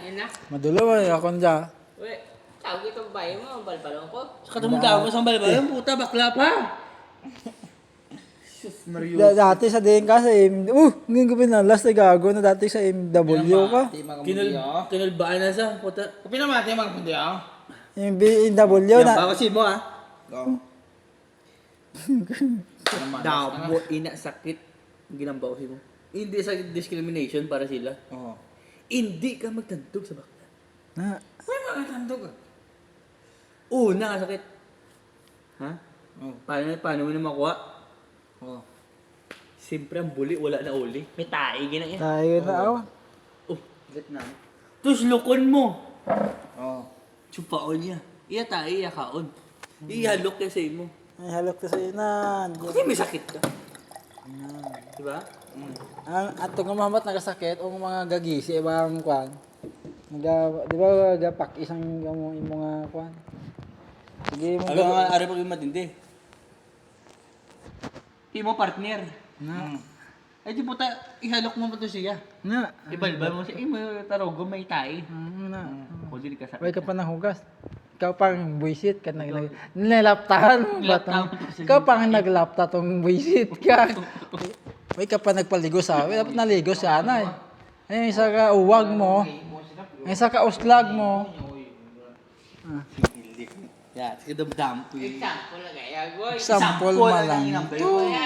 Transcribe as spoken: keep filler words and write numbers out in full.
Yan na. Madulo ay ako dyan. Uy, tawag ito babae mo, balbalong ko. Sa katumudaw ko sa balbalong, puta, bakla pa. Sus, Mario. Da- dati sa din ka sa M... Uh, ngayon ko pinalas na gago na dati sa M W ka. Kinul, kinulbaan na sa, puta. Pinamati mga pundi ah. Yung B M W Yan, na... bawasin mo ah. Go. Dabo, ina, sakit. Ginambawasin mo. Hindi sa discrimination para sila. Oo. Hindi ka magtantog sa bakla. Na, May mga tandog ah. Una, sakit. Ha? Oo. Paano, paano mo na makuha? Oo. Siyempre ang buli, wala na uli. May tae, ginang yan. tayo na ako. Oh, gat na. Tapos lukon mo. Oo. Chupaon niya. Iya tayo, iya kaon. Ihalok niya sa imo. Ay, halok ka sa inan. Kasi may sakit ka. Diba? Ang ato nga mahamat nagasakit o mga gagisi ibang kwan. Naga, di ba gapak isang imo imo nga kwan. Sige mo Ano nga, ari pag matindi. Imo partner. na. Ay di puta, ihalok mo pa to siya. Na. Ibalbal mo siya. Imo tarogo may tae. Ano na. Kundi ka sa. Way ka pa nanghugas. Ikaw pang buisit ka nag nilaptahan mo ba tong? Ikaw pang naglapta tong buisit ka. Way ka pa nagpaligo sa amin. Dapat naligo sana eh. Ay, isa ka uwag mo. Isa ka uslag mo. Yeah, sige damdam ko yun. Example na kaya, boy. Sample Sample man lang lang. yung number.